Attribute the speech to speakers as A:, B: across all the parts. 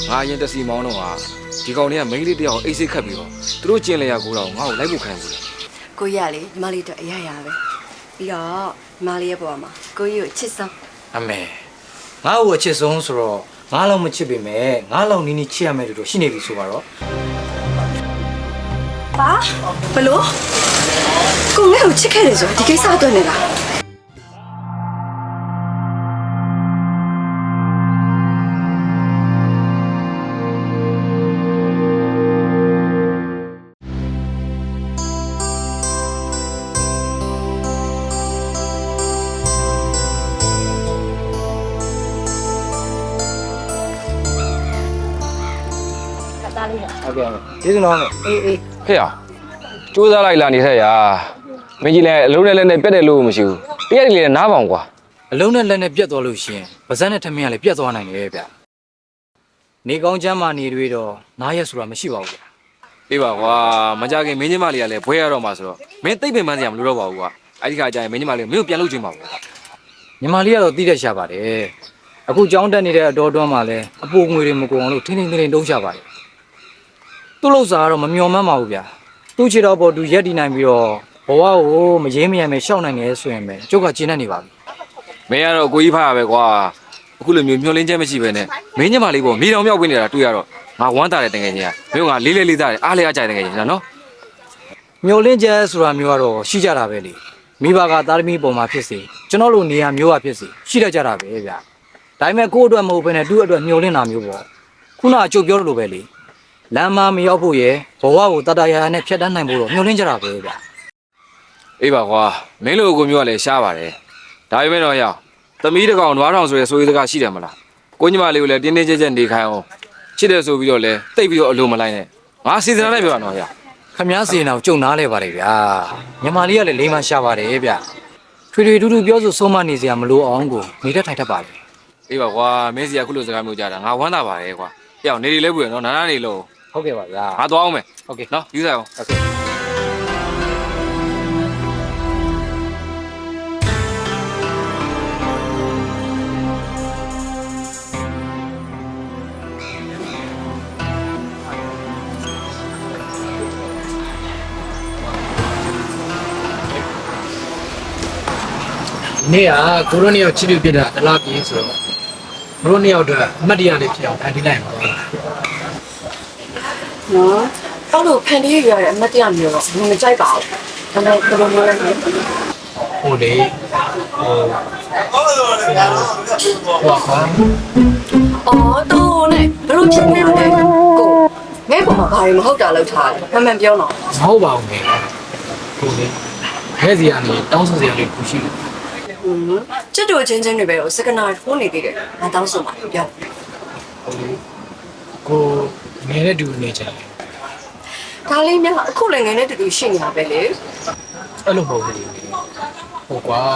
A: ငါအရင်တက်စီမောင်းတော့ဟာဒီကောင်တွေကမိန်းကလေးတယောက်အိတ်စိတ်ခတ်ပြီးတော့သူတို့ကျင်လျာကိုတော့ငါ့ကိုလိုက်ဖို့ခံဘူး
B: ကိုရလေညီမလေးတို့အရရပဲပြီးတော့ညီမလေးရဲ့ဘဝမှာကိုကြီးကိုချစ်ဆုံး
C: အမေငါ့ကိုအချစ်ဆုံးဆိုတော့ငါလောက်မချစ်ပေမဲ့ငါလောက်နီးနီးချစ်ရမယ်လို့ရှိနေပြီဆိုပါတော့
B: ပါဘလို့ကိုငါ့ကိုချစ်ခဲ့တယ်ဆိုဒီကိစ္စအတွက်နေလား
C: ဟုတ်ကဲ့ကျေးဇူးတော်မယ်အေး
A: ဟဲ့အောင်စူးစမ်းလိုက်လာနေထက်ရာမင်းကြီးလည်းအလုံးနဲ့လည်းနဲ့ပြတ်တယ်လို့မရှိဘူးပြက်တယ်လည်းနားပေါင်ကွာ
C: အလုံးနဲ့လက်နဲ့ပြတ်သွားလို့ရှိရင်ပါဇက်နဲ့ထမင်းကလည်းပြတ်သွားနိုင်တယ်ဗျနေကောင်းချမ်းမာနေတွေတော့နားရက်ဆိုတာမရှိပါဘူးဗျ
A: အေးပါကွာမကြခင်မင်းကြီးမလေးကလည်းဘွဲရတော့မှာဆိုတော့မင်းသိပ်ပင်ပန်းစရာမလိုတော့ပါဘူးကွာအဲ့ဒီခါကျရင်မင်းကြီးမလေးမင်းကိုပြန်လုပ်ချင်ပါဘူး
C: ညီမလေးကတော့တီးတတ်ရှာပါတယ်အခုကြောင်းတက်နေတဲ့အတော်တွန်းမှာလည်းအပိုငွေတွေမကုန်အောင်လို့ထင်းထင်းထင်းတုံးရှာပါတယ်သူ့လောက်စားကတော့မမျော်မှန်းပါဘူးဗျသူ့ခြေတော်ပေါ်သူရက်တည်နိုင်ပြီးတော့ဘဝကိုမရေးမရမယ်ရှောက်နိုင်တယ်ဆိုရင်ပဲကျုပ်ကကျဉ်းတတ်နေပါပြီ
A: မင်းကတော့ကိုကြီးဖားရပဲကွာအခုလိုမျိုးမျောလင်းချက်မရှိပဲနဲ့မင်းညမလေးပေါ့မြေတောင်မြောက်ဝင်နေတာတွေ့ရတော့ငါဝမ်းသာတဲ့တကယ်ကြီးကမင်းကလေးလေးသားတယ်အားလေးအားကြိုက်တကယ်ကြီးနော်
C: မျောလင်းချက်ဆိုတာမျိုးကတော့ရှိကြတာပဲလေမိဘကသားသမီးပုံမှာဖြစ်စေကျွန်တော်လိုနေရာမျိုးကဖြစ်စေရှိတတ်ကြတာပဲဗျဒါပေမဲ့ကိုယ့်အတွက်မဟုတ်ဘဲနဲ့သူ့အတွက်မျောလင်းတာမျိုးပေါ့ခုနအကျုပ်ပြောလို့ပဲလေလမ်းမမရောက်ဖို့ရယ်ဘဝကိုတတရာရာနဲ့ဖြတ်တန်းနိုင်ဖို့တော့မျောလင်းကြတာပဲဗျ
A: အေးပါကွာမင်းလိုကိုမျိုးကလည်းရှားပါတယ်ဒါပေမဲ့တော့ရသမီးတကောင်နွားထောင်ဆိုရဲဆိုရေးစကားရှိတယ်မလားကိုညီမလေးကိုလည်းတင်းတင်းကြပ်ကြပ်နေခိုင်းအောင်ချစ်တယ်ဆိုပြီးတော့လဲတိတ်ပြီးတော့အလိုမလိုက်နဲ့ငါစီစဉ်လိုက်ပြောတော့ရ
C: ခမည်းစီရင်အောင်ကြုံနားလဲပါတယ်ဗျာညီမလေးကလည်းလိမ္မာရှာပါတယ်ဗျထွေထွေတူတူပြောဆိုဆုံးမနေစရာမလိုအောင်ကိုနေတတ်ထိုင်တတ်ပါတယ်
A: အေးပါကွာမင်းစီကခုလိုစကားမျိုးကြားတာငါဝမ်းသာပါတယ်ကွာအေးအောင်နေနေလဲပွေနော်နားနားနေလို့
C: ဟုတ်ကဲ့ပါဗျာ
A: ငါသွားအောင်မယ်
C: ဟုတ်ကဲ့
A: နော်ယူဆိုင်အောင်
C: ဟုတ်ကဲ့နေ့ကကိုရိုနီယောက်ချစ်လို့ပြတာတလားပြေးဆိုတော့ကိုရိုနီယောက်အတွက်အမှတ်တရလေးဖြစ်အောင်ဖန်တီးလိုက်ပါတော့
B: နော်အဲ့လိုဖန်တီးရရတဲ့အမတ်တရားမျိုးတော့ဘယ်မကြိုက်ပါဘူးဒါပေမဲ့ဘယ်လိုမျိုးလဲ
C: ဟိုလေဟိုကွာ
B: အော်တော့နဲ့ဘယ်လိုဖြစ်နေလဲကိုငဲ့ပေါ်မှာဘာတွေမဟုတ်တာလောက်ထားလဲမှန်ပြောတော့
C: မဟုတ်ပါဘူးမေကိုလေခဲစီကနေတောင်းဆိုစရာလေးခုရှိတယ်
B: ချစ်တို့ချင်းချင်းတွေပဲတော့စကနာထိုးနေသေးတယ်ငါတောင်းဆိုပါပြော
C: ဟိုလေကိုငယ်တဲ့တူနေကြတယ်
B: ဒါလေးများအခုလည်းငယ်နဲ့တူတူရှိနေတာပဲလေ
C: အဲ့လိုမဟုတ်ဘူးဟိုကွာ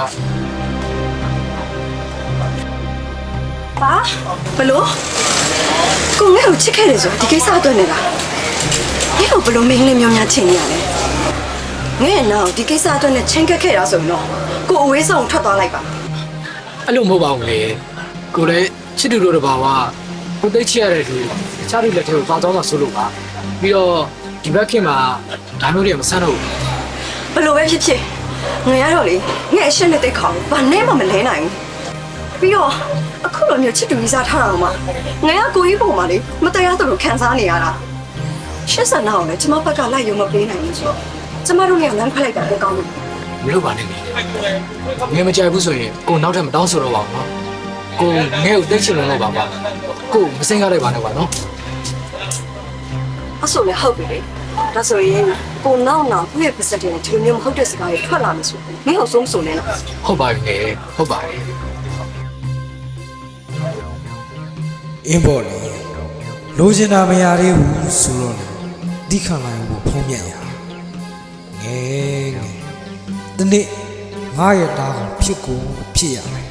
B: ပါဘလို့ကိုငဲ့ကိုချစ်ခဲ့တယ်ဆိုဒီကိစ္စအတွက်နေလားငဲ့ကိုဘလို့မင်းလေးမျိုးများချင်နေရလဲငဲ့နောက်ဒီကိစ္စအတွက်နဲ့ချင်းကက်ခဲ့တာဆိုရင်တော့ကိုအဝေးဆောင်ထွက်သွားလိုက်ပါ
C: အဲ့လိုမဟုတ်ပါဘူးလေကိုလည်းချစ်တူတို့တဘာဝကိုသိချရတဲ့သူတခြားလူလက်ထဲကိုသွားတော့မှဆိုလို့ပါပြီးတော့ဒီဘက်ခင်မှာဒါမျိုးတွေမဆန်းတော့ဘူး
B: ဘလို့ပဲဖြစ်ဖြစ်ငယ်ရတော့လေငဲ့အရှင်းနဲ့တိတ်ခေါင်ဘာနဲ့မှမလဲနိုင်ဘူးပြီးတော့အခုလိုမျိုးချစ်တူကြီးစားထားတာမှငယ်ကကိုကြီးပုံမှာလေမတရားသလိုခံစားနေရတာရှစ်ဆန်နာကိုလည်းကျမဘက်ကလိုက်ရုံမပေးနိုင်ဘူးဆိုတော့ကျမတို့လည်းလမ်းခွဲလိုက်တာပဲကောင်းတယ်
C: မလုပ်ပါနဲ့လေငယ်မကြိုက်ဘူးဆိုရင်ကိုနောက်ထပ်မတောင်းဆိုတော့ပါဘူးနော်ကိုငယ်ကိုသိချင်လို့ပါပါကိုမစင်ကားလိုက်ပါနဲ့ပါနော်
B: အဲ့ဆိုလည်းဟုတ်ပြီလေဒါဆိုရင်ကိုနောက်သူ့ရဲ့ပတ်စတဲ့ဒီလိုမျိုးမဟုတ်တဲ့စကားတွေထွက်လာမယ်ဆိုရင်မင်းအောင်ဆုံးဆိုနေလား
C: ဟုတ်ပါပြီလေဟုတ်ပါပြီ
D: အင်းပေါ်လေလိုချင်တာမရသေးဘူးဆိုတော့လေဒီခံလိုက်ဖို့ဖုံးမြတ်ရငယ်ငယ်ဒီနေ့ငါရဲ့တားကိုဖြစ်ကိုဖြစ်ရမယ်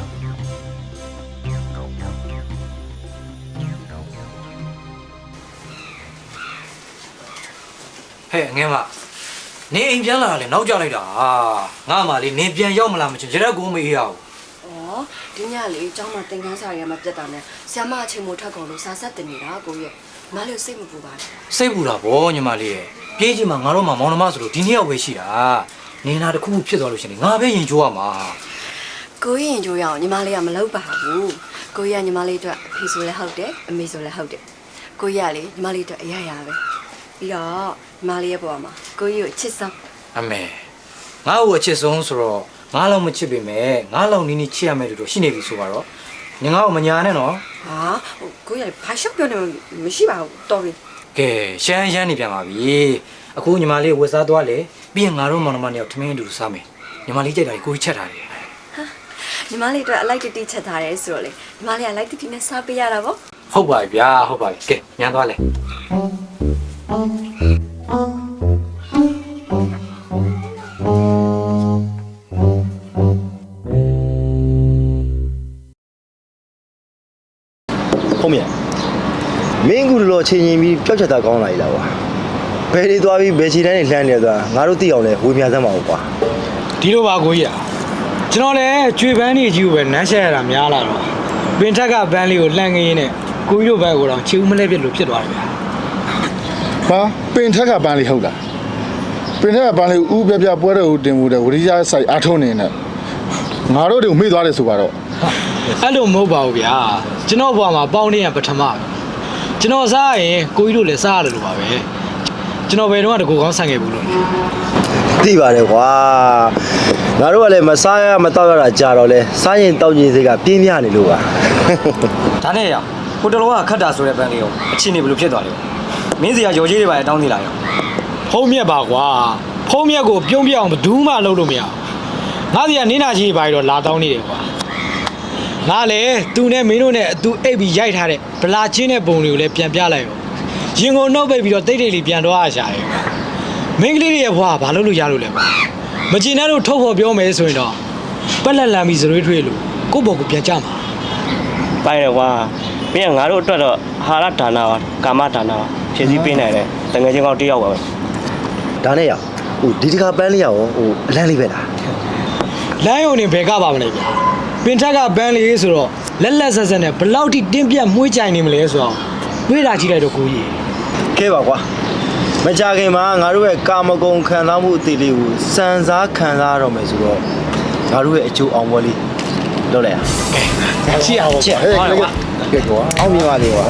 C: ဟဲ့ငယ်မနင်းအိမ်ပြန်လာတယ်နောက်ကျလိုက်တာငါမှလေနင်းပြန်ရောက်မလားမချင်ကြရက်ကိုမအေးရဘူး
B: ဩဒီညလေးကျောင်းမှာသင်ခန်းစာရမှာပြတ်တာနဲ့ဆရာမအချိန်မို့ထပ်ကုန်လို့စာဆက်တင်နေတာကိုရဲ့မလေးစိတ်မပူပါနဲ့
C: စိတ်ပူတာဗောညီမလေးရဲ့ပြေးကြီးမှာငါတို့မှမောင်နှမဆိုလို့ဒီနေ့ရောက်ပဲရှိတာနေနာတစ်ခုခုဖြစ်သွားလို့ရှင်ငါပဲရင်ချိုးရမှာ
B: ကိုရင်ကြိုးရအောင်ညီမလေးကမလုပ်ပါဘူးကိုရညီမလေးအတွက်အဖေဆိုလည်းဟုတ်တယ်အမေဆိုလည်းဟုတ်တယ်ကိုရလေညီမလေးအတွက်အရရပဲပြီးတော့ညီမလေးရဲ့ဘဝမှာကိုကြီးကိုချစ်ဆုံး
C: အမေငါ့ကိုအချစ်ဆုံးဆိုတော့ငါ့လောက်မချစ်ပေမဲ့ငါ့လောက်နီးနီးချစ်ရမယ်လို့ရှိနေပြီဆိုတော့ညီငါ့ကိုမညာနဲ့နော်
B: ဟာကိုရဘာရှောက်ပြောနေမရှိပါဘူးတော်ပြီ
C: ကဲရှမ်းနေပြန်ပါပြီအခုညီမလေးဝက်စားသွားလေပြီးရင်ငါတို့မောင်နှမနှစ်ယောက်ထမင်းအတူစားမယ်ညီမလေးကြိုက်တာကိုကြီးချက်ထားတယ်
B: ညီမလေးအတွက်အလိုက်တတိချက်ထားတယ်ဆိုတော့လေညီမလေးကလိုက်တတိနဲ့စားပေးရတာပေါ့
C: ဟုတ်ပါပြီဗျာဟုတ်ပါပြီကဲညံသွားလေ
E: ဟုတ်မြတ်မင်းကူလောချင်းချင်းပြီးပျောက်ချက်တာကောင်းလာပြီလားကွာဘယ်တွေသွားပြီးဘယ်ခြေတန်းတွေလှမ်းနေသွားငါတို့သိအောင်လဲဝေမြစမ်းပါဦးကွာ
F: ဒီလိုပါကိုကြီးอ่ะကျွန်တော်လည်းကျွေပန်းနေကြီးကိုပဲနမ်းရှက်ရတာများလာတော့ပင်ထက်ကပန်းလေးကိုလှမ်းခင်းရင်းနဲ့ကိုကြီးတို့ဘက်ကိုတော့ချီဦးမလဲပြစ်လို့ဖြစ်သွားတယ်ဗျာ
G: ဟာပင်ထက်ကပန်းလေးဟုတ်လားပင်ထက်ကပန်းလေးဥပြပြပွဲတော်ကိုတင်မှုတဲ့ဝရိယဆိုင်အားထုတ်နေတဲ့ငါတို့တွေကိုမေ့သွားတယ်ဆိုတော့
F: အဲ့လိုမဟုတ်ပါဘူးဗျာကျွန်တော်ဘွားမှာပေါင်းနေရပထမပဲကျွန်တော်စားရင်ကိုကြီးတို့လည်းစားရတယ်လို့ပါပဲကျွန်တော်ဘယ်တော့မှတကူကောင်းဆန်ခဲ့ဘူးလို့လေ
E: သိပါတယ်ကွာငါတို့ကလည်းမစားရမတော့ရတာကြာတော့လဲစားရင်တောက်ရင်စိတ်ကပြင်းပြနေလို့ပါ
C: ဒါနဲ့ရဟိုတလောကခတ်တာဆိုတဲ့ပန်းလေးကိုအချင်းနေဘယ်လိုဖြစ်သွားလဲမင်းစီကရော်ကြီးတွေပါတောင်းနေလာရော
F: ဖုံးမြက်ပါကွာဖုံးမြက်ကိုပြုံးပြအောင်ဘယ်သူမှလုပ်လို့မရဘူးငါစီကနင်းနာကြီးပါတော့လာတောင်းနေတယ်ကွာငါလည်းသူနဲ့မင်းတို့နဲ့အတူအိပ်ပြီးရိုက်ထားတဲ့ဗလာချင်းတဲ့ပုံတွေကိုလည်းပြန်ပြလိုက်ရောရင်ကိုနှုတ်ပိတ်ပြီးတော့တိတ်တိတ်လေးပြန်တော့ရရှာတယ်ကွာမင်းကလေးတွေရဲ့ဘွားဘာလို့လို့ရလို့လဲကွာမကျင်တဲ့တို့ထုတ်ဖို့ပြောမယ်ဆိုရင်တော့ပက်လက်လန်ပြီးစရွေးထွေးလို့ကိုယ့်ဘော်ကိုပြန်ကြမှာ
H: ပိုင်တယ်ကွာမင်းကငါတို့အတွက်တော့အာဟာရဒါနာပါကာမဒါနာပါဖြည့်ဆည်းပေးနိုင်တယ်တကယ်ချင်းကောင်းတစ်ယောက်ပါပဲ
E: ဒါနဲ့ရဟိုဒီတခါပန်းလေးရအောင်ဟိုအလန်းလေးပဲလား
F: လမ်းယုံနေဘယ်ကပါမလဲဗျာပင်ထက်ကပန်းလေးဆိုတော့လက်လက်ဆက်ဆက်နဲ့ဘလောက်ထိတင်းပြတ်မွှေးကြိုင်နေမလဲဆိုတော့တွေးတာကြည့်လိုက်တော့ကိုကြီး
E: ခဲပါကွာမကြခင်မှာငါတို့ရဲ့ကာမဂုဏ်ခံစားမှုအသေးလေးကိုစံစားခံစားရတော့မယ်ဆိုတော့ငါတို့ရဲ့အကျိုးအောင်ပွဲလေးလုပ်လိုက်ရ
F: ရှိအောင်
E: ချက်ဟဲ့ကဲကွာအောင်မြင်ပါလေကွာ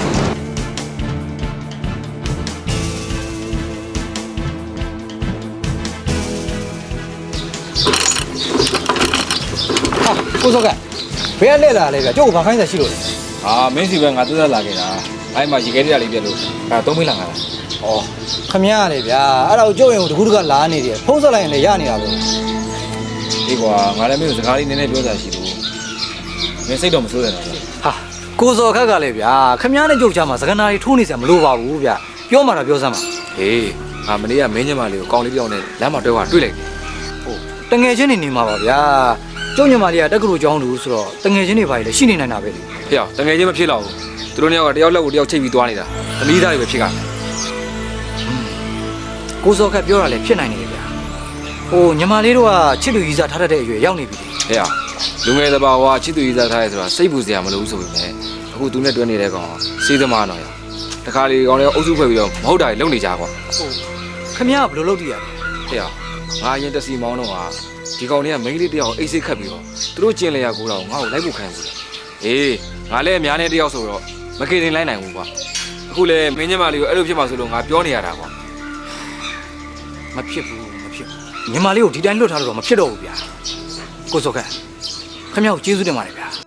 C: ကိုစောကဘယ်ကလဲလာလဲဗျကျုပ်ကဘာခိုင်းစားရှိလို့လဲ
A: ဟာမင်းစီပဲငါသက်သက်လာခဲ့တာအဲ့မှာရေခဲတရားလေးပြက်လို့အဲ့သုံးမိလာငါလား
C: ဩခမရလေဗျာအဲ့ဒါကိုကျုပ်ရင်တကူတကလာနေတယ်ဖုံးဆက်လိုက်ရင်လည်းရနေတာပဲ
A: ဒီကွာငါလည်းမင်းကိုစကားလေးနည်းနည်းပြောတာရှိလို့မင်းစိတ်တော့မဆိုးရတော့
C: ဟာကိုစောခက်ကလည်းဗျာခမရနဲ့ကျုပ်ချမှာစကနာတွေထိုးနေစရာမလိုပါဘူးဗျပြောမှတော့ပြောစမ်းပါ
A: ဟေးငါမနေ့ကမင်းညမလေးကိုကောင်းလေးပြောင်းနေလမ်းမှာတွေ့တွေ့လိုက်
C: ဟုတ်တငယ်ချင်းနေမှာပါဗျာကျုပ်ညမလေးကတက္ကသိုလ်ကျောင်းသူဆိုတော့တငယ်ချင်းတွေပါလေရှိနေနိုင်တာပဲလေ
A: ဟေ့တကယ်ချင်းမဖြစ်တော့ဘူးသူတို့နှစ်ယောက်ကတယောက်လက်ကိုတယောက်ချိတ်ပြီးသွားနေတာသမီးသားတွေပဲဖြစ်ကြတယ်
C: ကိုစောခက်ပြောတာလည်းဖြစ်နိုင်နေတယ်ဗျာဟိုညမလေးတို့ကချစ်သူကြီးစားထားတဲ့အရွယ်ရောက်နေပြီလေ
A: ဟဲ့လူငယ်တဘာဝချစ်သူရေးစားထားရဲဆိုတာစိတ်ပူစရာမလိုဘူးဆိုပေမဲ့အခုသူနဲ့တွဲနေတဲ့ကောင်စေးသမားတော့ရတခါလေကောင်လေးအုပ်စုဖွဲ့ပြီးတော့မဟုတ်တာတွေလုပ်နေကြကွာ
C: ခမရကဘယ်လိုလုပ်တည်ရလဲ
A: ဟဲ့ငါရင်တစီမောင်းတော့ဟာဒီကောင်လေးကမိန်းကလေးတယောက်အိတ်စိတ်ခတ်ပြီးတော့သူတို့ကျင်လျာကိုတော့ငါ့ကိုလိုက်ဖို့ခံစီအေးငါလည်းအများနဲ့တယောက်ဆိုတော့မကေတင်လိုက်နိုင်ဘူးကွာအခုလေမင်းညမလေးကိုအဲ့လိုဖြစ်မှဆိုလို့ငါပြောနေရတာကွာ
C: မဖြစ်ဘူးညမလေးကိုဒီတိုင်းလွတ်ထားလို့တော့မဖြစ်တော့ဘူးဗျာကိုစောခက်ခမရကိုကျေးဇူးတင်ပါတယ်ဗျာ